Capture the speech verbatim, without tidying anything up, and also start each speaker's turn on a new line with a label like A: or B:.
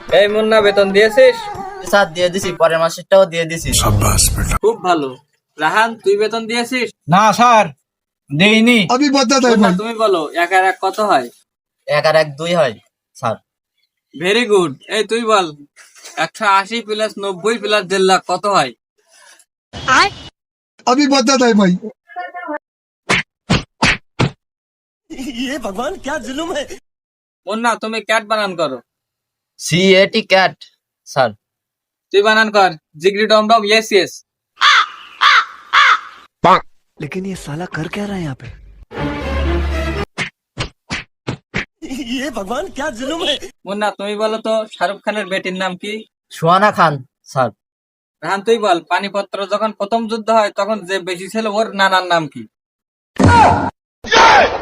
A: এই মুন্না, বেতন দিয়েছিস?
B: স্যার দিয়ে দিছি, পরের মাসেরটাও দিয়ে দিছি।
A: খুব ভালো। রাহান, তুই বেতন দিয়েছিস?
C: না স্যার, দেইনি।
D: अभी बता था
A: মুন্না,
D: भाई।
A: তুমি বলো এক আর এক কত হয়?
B: এক আর এক দুই হয় স্যার।
A: Very good. এই তুই বল, একশো আশি প্লাস নব্বই প্লাস দেড় লাখ কত হয়?
D: अभी बता था भाई।
A: মুন্না, তুমি ক্যাট বানান করো।
B: সি এটি ক্যাট স্যার।
A: তুই বানান কর জিগরি ডম ডম ইয়েস ইয়েস।
E: लेकिन ये साला कर क्या रहा है यहाँ पे? ये भगवान क्या जुल्म है?
A: মুন্না, তুমি বলো তো শাহরুখ খানের বেটির নাম কি?
B: সুহানা খান স্যার।
A: রাহান, তুই বল পানিপত্র যখন প্রথম যুদ্ধ হয় তখন যে বেশি ছিল ওর নানার নাম কি?